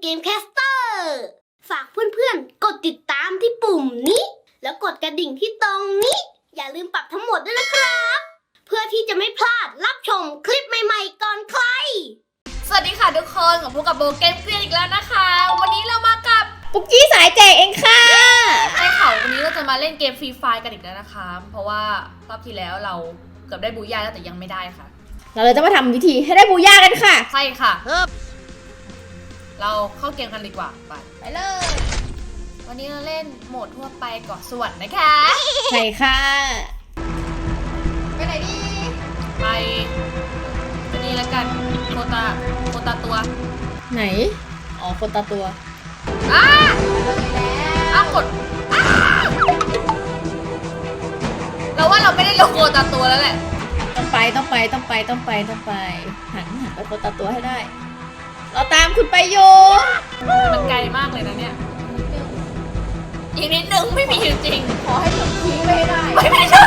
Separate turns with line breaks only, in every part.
เกมแคสเตอร์ฝากเพื่อนๆกดติดตามที่ปุ่มนี้แล้วกดกระดิ่งที่ตรงนี้อย่าลืมปรับทั้งหมดด้วยนะครับเพื่อที่จะไม่พลาดรับชมคลิปใหม่ๆก่อนใคร
สวัสดีค่ะทุกคนกับพวกกับโบเกมเกรียนอีกแล้วนะคะวันนี้เรามากับ
ปุ๊กกี้สายแจกเองค่ะ
ใช่ค่ะวันนี้เราจะมาเล่นเกมฟรีไฟร์กันอีกแล้วนะคะเพราะว่ารอบที่แล้วเราเกือบได้บูย่าแล้วแต่ยังไม่ได้ค่ะ
เราเลยจะมาทำวิธีให้ได้บูย่ากันค่ะ
ใช่ค่ะเราเข้าเกมกันดีกว่าไปเลยวันนี้เราเล่นโหมดทั่วไปเกาะสวรรค์นะคะ
ใช่ค่ะ
ไปไหนดีไปนี่แล้วกันโคตาตัว
ไหนอ๋อโคตาตัว
กดเราว่าเราไม่ได้ลงโคตาตัวแล้วแหละ
ต้องไปหันไปโคตาตัวให้ได้เราตามคุณไปโย
มันไกลมากเลยนะเนี่ยอีกนิดนึงไม่มีจริงขอให้ถึงพีไม่ได้ไม่ใช่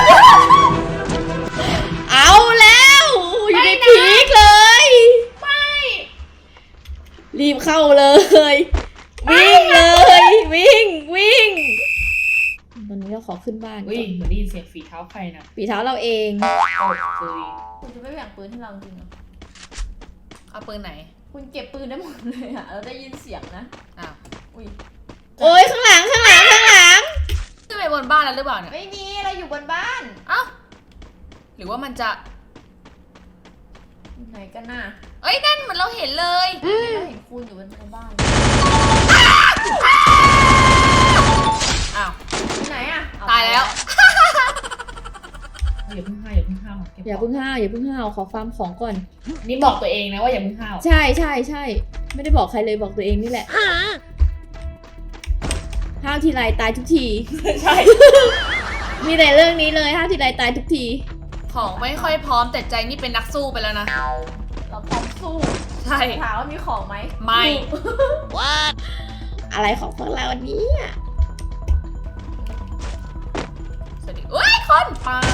เอาแล้วอยู่ในพีกเลย
ไม่
รีบเข้าเลยวิ่งเลยวิ่งตอนนี้เราขอขึ้นบ้าน
วิ่งเหมือนได้ยินเสียงฝีเท้าใครนะ
ฝีเท้าเราเอง
คุณจะไม่แบ่งปืนให้เราจริงเหรอ
เอาปืนไหน
คุณเก็บปืนได้หมดเลยอะเราได้ยินเสียงนะ
โอ้ยข้างหลัง
ขึ้นไปบนบ้านแล้วหรือเปล่าเนี่ย
ไม่มีเราอยู่บนบ้าน
หรือว่ามันจะ
ไหนกันน่ะ
เอ้ยนั่นเหมือนเราเห็นเลย
เราเห็นคุณอยู่บนบ้านไหนอะ
ตายแล้ว
อย่าเพิ่งห้าวขอฟาร์มของก่อน
นี่บอกตัวเองนะว่าอย่าเพิ่งห้าว
ใช่ไม่ได้บอกใครเลยบอกตัวเองนี่แหละห้าวทีไรตายทุกที
ใช่
มีแต่เรื่องนี้เลยห้าวทีไรตายทุกที
ของไม่ค่อยพร้อมแต่ใจนี่เป็นนักสู้ไปแล้วนะ
เราพร้อมสู้
ใช่
ถามว่ามีของไหม
ไม่
อะไรของพวกเราวันนี้
สวัสดีคนปา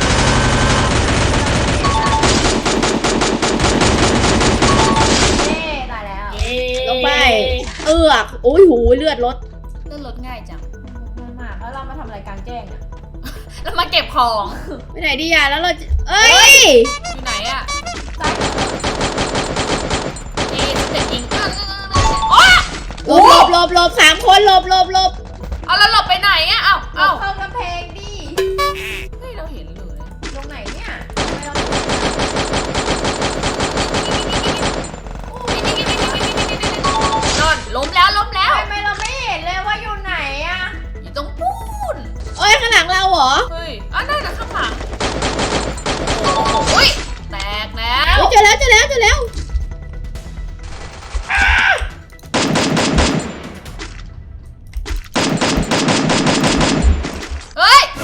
ตายแล้ว
ลงไปโอ้ยหูเลือดลด
ง่ายจัง
มากแล้วเรามาทำอะไรกลางแจ้งอะ
เรามาเก็บของ
ไปไหนดีแล้วเรา
อยู่ไหนอะนี่จะยิง
หลบ3 คนหลบ
เอาแล้วหลบไปไหนอะเอา
เข้ากำแพงดิ
เฮ้ยเราเห็นเลย
ตรงไหนเนี่ย
ล้มแล้ว
ทำไมเราไม่เห็นเลยว่าอยู่ไหนอะ
อยู่ตรงปูน
ข้างหลังเราเหรอ
เฮ้ยนั่นน่ะข้างหลังแตกแล้ว
เจอแล้ว
เฮ้ย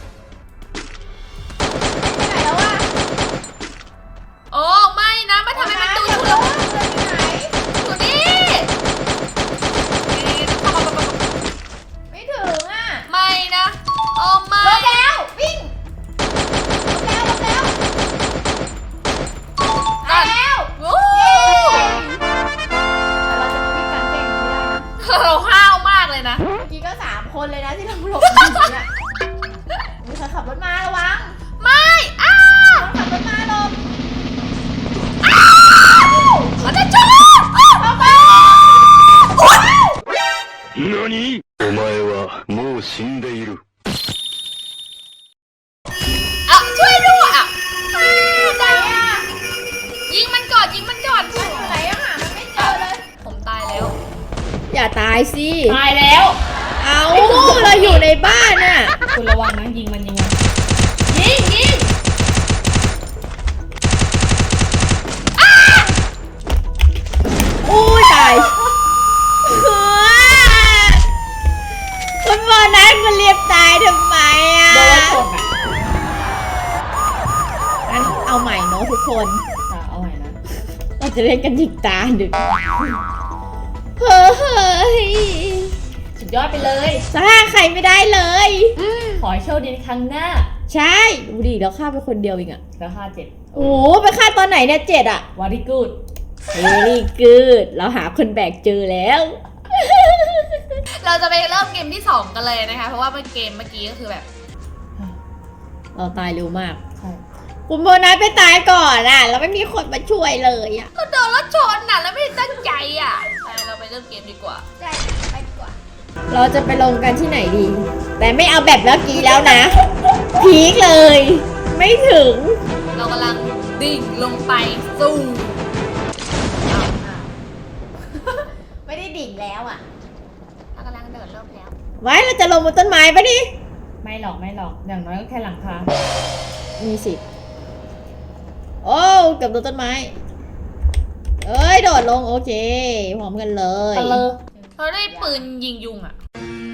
ไปไหนแล้วอะ
โอ้ไม่นะไม่ทำให้มันดูชุลมุนอยู่นี่
ไม่ถึงอะ
ไม่นะโอ้ไม่
ลบแล้ววิ่งลบแล้ว
โอ้
เราจะมาวิ่งกลางแจ้งไม่ได้นะ
เราห้าวมากเลยนะ
เมื่อกี้ก็3 คนเลยนะที่เราหลบอยู่เนี่ยมีใครขับรถมาระวัง
ไม่
ขับรถมาหลบ
เขาจะชน
เข้าไป
何お前はもう死んでいる
ช่วยด้วย
ไหนอะ
ยิงมันก่อน
อยู่ไหนอะมันไม่เจอเลย
ผมตายแล้ว
อย่าตายสิ
ตายแล้ว
เราอยู่ในบ้านน่ะ
คุณระวังนะยิงมันยิง
ตายคุณบอลนั้นมันเรียบตายทำไม
โดนชน
งั้นเอาใหม่เนาะทุกคน
เอาใหม่นะ
เราจะเล่นกันอีกตาดึกเฮ้ย
สุดยอดไปเลย
สร้างใครไม่ได้เลย
ขอให้โชคดีในครั้งหน้า
ใช่ดูดิเราฆ่าไปคนเดียวเอง
แล้วฆ่า
7โอ้ไปฆ่าตอนไหนเนี่ย7
วาริกูด
very good เราหาคนแบกเจอแล้ว
เราจะไปเริ่มเกมที่ 2 กันเลยนะคะ เพราะว่าเกมเมื่อกี้ก็คือแบบ
เราตายเร็วมากคุณโบนัสไปตายก่อนอ่ะแล้วไม่มีคนมาช่วยเลยอ่ะ
เราโดนรถชนน่ะแล้วไม่ได้ตั้งใจอ่ะไปเราไปเริ่มเกมดีกว่า
ใช่ไปดีกว่า
เราจะไปลงกันที่ไหนดี แต่ไม่เอาแบบเมื่อกี้แล้วนะ พีคเลย ไม่ถึง
เรากำลังดิ่งลงไปสู่
ไม่ได้ดิ่งแล้วอ่ะ
เรากำลังเดินเริ่มแล้ว
ไว้เราจะลงบนต้นไม้ปะดิ
ไม่หรอกอย่างน้อยก็แค่หลังคา
มีสิทธิ์โอ้เกับโดนต้นไม้ เอ้ยโดดลงโอเคพร้อมกันเลย
เราได้ปืนยิงยุงอ่ะ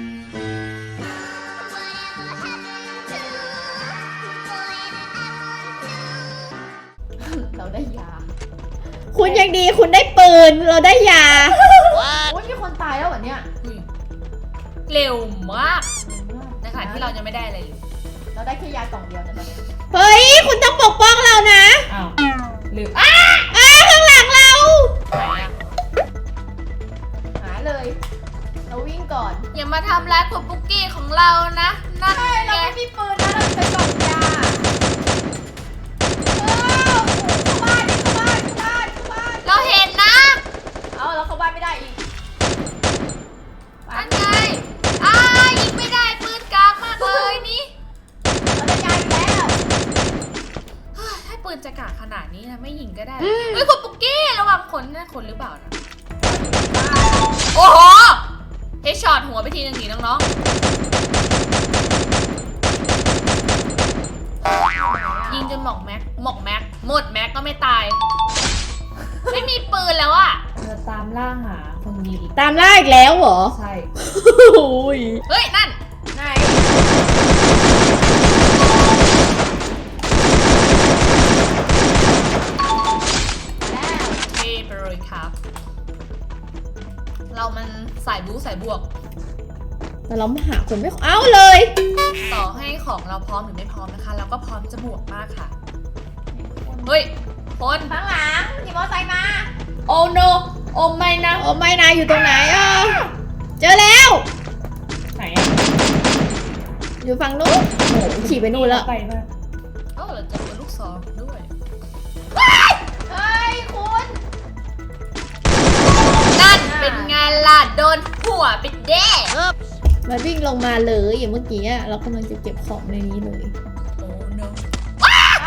เราได้ยา
คุณยังดีคุณได้ปืนเราได้ยา
โอ้ยมีคนตายแล้วเหรอเนี่ย
อุ้ยเร็วมากในขณะที่เรายังไม่ได้อะไรเลย
เราได้แค่ยากล่องเดียวนะตอนนี้
เฮ้ยคุณต้องปกป้องเรานะ
อ้าวหรือ
ข้างหลังเรา
ไหนอ่ะ
หาเลย เราวิ่งก่อน
อย่ามาทำร้ายคุณปุ๊กกี้ของเรานะนั่น
เรา
ไง
ไม่มีปืนนะเราเป็นกล่องยาเข้าบ้านเข้าบ้านเข้าบ้านเข้าบ้าน
เราเห็นนะ
เอาเราเข้าบ้านไม่ได้อีก
นั่นไงยิงไม่ได้ปืนกลางมากเลยนี่
เราได้ยาอีกแล้ว
เฮ้ยถ้าปืนจะกากขนาดนี้นะไม่ยิงก็ได้เฮ้ยคุณปุ๊กกี้ระวังคนนะคนหรือเปล่านะโอ้โหเฮดช็อตหัวไปทีนึงหนีน้องๆยิงจนหมดแม็กหมดแม็กก็ไม่ตาย ไม่มีปืนแล้วอะ
เราตามล่าหาคนยิงอีก
ตามล่าอีกแล้วเหรอ
ใช่
โอ้ย
เฮ้ยนั่น
ไหน แล้ว
เท่ไปเลยครับ เรามันสายบู๊สายบวก
แต่เราหาคนไม่เอาเลย
ต่อให้ของเราพร้อมหรือไม่พร้อมนะคะ เราก็พร้อมจะบวกมากค่ะ เฮ้ย คน
ข้างหลังขี่มอเตอร์ไซค์มา
โอ้โนโอ้ไม่นะ
โอ้ไม่นายอยู่ตรงไหนอ่ะเจอแล้ว
ไหนอะ
อยู่ฝั่งนู้นโอ้โหขี่ไปนู่นแล้ว
ไปมาก
เอ้าเราเจอปืนลูกซองด้วย
เฮ้ยคุณ
นั่นเป็นไงล่ะโดนหัวไปเด้
มันวิ่งลงมาเลยอย่างเมื่อกี้อะเรากำลังจะเก็บของในนี้เลย
โอ้ no
ไอ้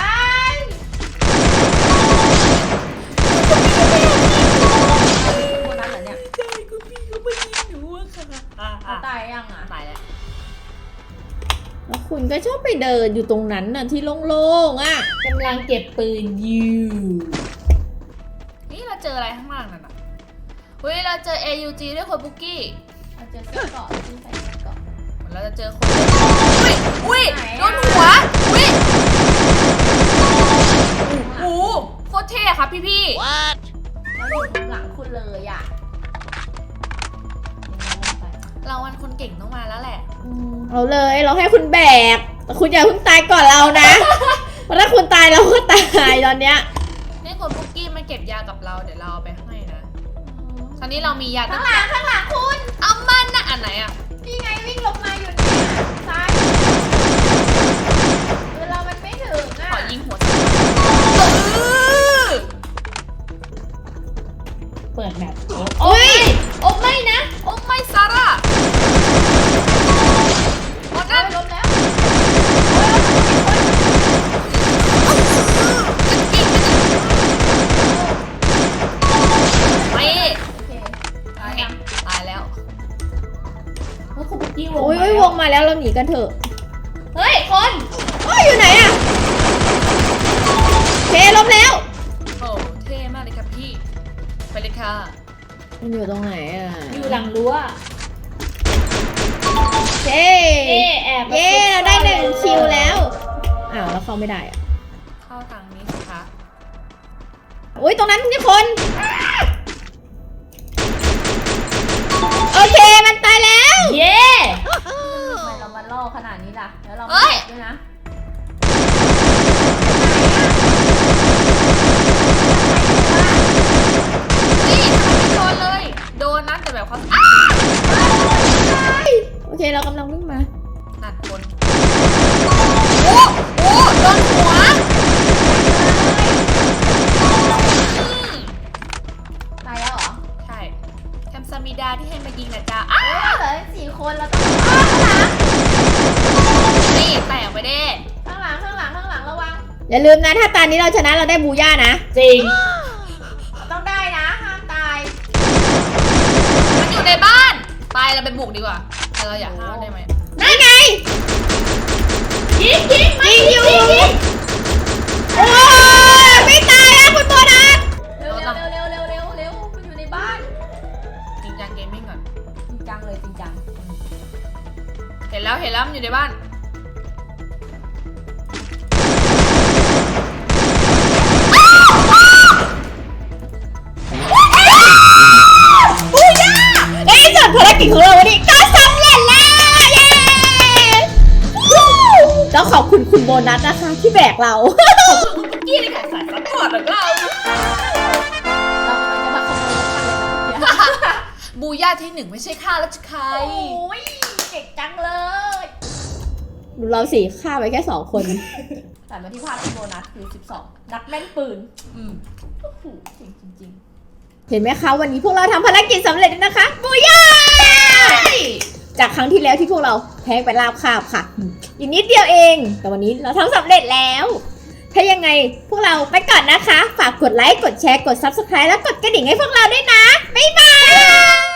คนนั้นเหรอเนี่ย
ใช่คุณพี่ก็ไม่ยิงหนูอะค่ะ
เขาตายยังอ่ะ
ตายแล้ว
แล้วคุณก็ชอบไปเดินอยู่ตรงนั้นน่ะที่โล่งๆอ่ะ
กำลังเก็บปืนอยู่
นี่เราเจออะไรข้างล่างนั่นน่ะเฮ้ยเราเจอ AUG ด้วยคนบุกกี้
เราเจอเสื้อเกราะที่ใส่เสื้อเกราะ
เราจะเจอคนอุ้ย
ไหนอะ
โดนหัวอุ้ยโอ้โหโคตรเท่ครับพี่
เราอยู่ข้างหลังคุณเลยอ่ะ
เราวันคนเก่งต้องมาแล้วแหละ
เอาเลยเราให้คุณแบกแต่คุณอย่าเพิ่งตายก่อนเรานะ เพราะถ้าคุณตายเราก็ตายตอนเนี้ย
นี่คนบุกกี้มาเก็บยากับเราเดี๋ยวเราเอาไปให้นะตอนนี้เรามียา
ข้างหลังคุณ
เอามันนะอันไหนอะ
นี่ไงวิ่งลงมาอยู่เนี่ยซ้ายเรามันไม่ถึงอ่ะ
ขอยิงหัว
เปิดแมป
โอ้ย
โอ้ไม่นะ โอ้ไม่ซาร่าโอ้นั่น
ล้มแล้ว
ไม่
โอเค
ตายแล้ว
เฮ้ยคุณปุ๊กกี้วง
โอ้ย
มา
โอ้ยว
แล้ว
งมาแล้วเราหนีกันเถอะ
เฮ้ย คน
โอ้ยอยู่ไหนอ่ะเคล้มแล้ว
โอ้เท่มากเลยครับพี่ ไปเลยค่ะ
มันอยู่ตรงไหนอ่ะ
อยู่หลังรั้ว
เย้
แอบ
เย้เราได้1 คิวแล้วอ้าวแล้วเข้าไม่ได้อ่ะ
เข้าทางนี้สิคะ
อุ้ยตรงนั้นมีคน โอเคมันตายแล้ว
เย้
ทำไมเรามาล่อขนาดนี้ล่ะ แล้วเราไม่เจ็บด้วยนะ
นี่ทำไมไม่โดนเลย โดนนะแต่แบบเขา
เรากำลังวิ่งมา
นั่นคนโอ้โดนหัว
ตายแล้วเหรอ
ใช่แคมซามิดาที่ให้มายิงนะจ๊ะ
เหลือ4 คนแล้วต้อง
นี่แตกไปเด้
ข้างหลังระวัง
อย่าลืมนะถ้าตอนนี้เราชนะเราได้บูย่านะ
จริง
ต้องได้นะห้ามตาย
มันอยู่ในบ้าน ไปเราไปบุกดีกว่าแต่เราอยากห้าวได้ไหม
นั่นไงยิงอยู่โอ้ยไม่ตายอะคุณโบนัส
เร็วมันอยู่ในบ้าน
จริงจังเกมมิ่งก่อน
จริงจังเลยจริงจัง
เห็นแล้วมันอยู่ในบ้าน
บูย่าในที่สุดภารกิจของเราวันนี้ก็สำเร็จแล้วเย้แล้วขอบคุณคุณโบนัสนะคะที่แบกเรา
กี้ในการสายซัพพอร์ตของเรา
เรากำลังจะมาขโมยรถคันเลยนะ
บูย่าที่หนึ่งไม่ใช่ข้าราชการ
โอ้ยเก่งจังเลย
ดูเราสิฆ่าไปแค่2 คน
แต่มาที่ภาพที่โบนัสคือ12นักแม่นปืน
อืม
โอ้โหเก่งจริง
เห็นไหมคะวันนี้พวกเราทำภารกิจสำเร็จแล้วนะคะบูย่าจากครั้งที่แล้วที่พวกเราแพ้ไปราบคาบค่ะอีกนิดเดียวเอง แต่วันนี้เราทำสำเร็จแล้ว ถ้ายังไงพวกเราไปก่อนนะคะ ฝากกดไลค์กดแชร์กด Subscribe แล้วกดกระดิ่งให้พวกเราด้วยนะบ๊ายบาย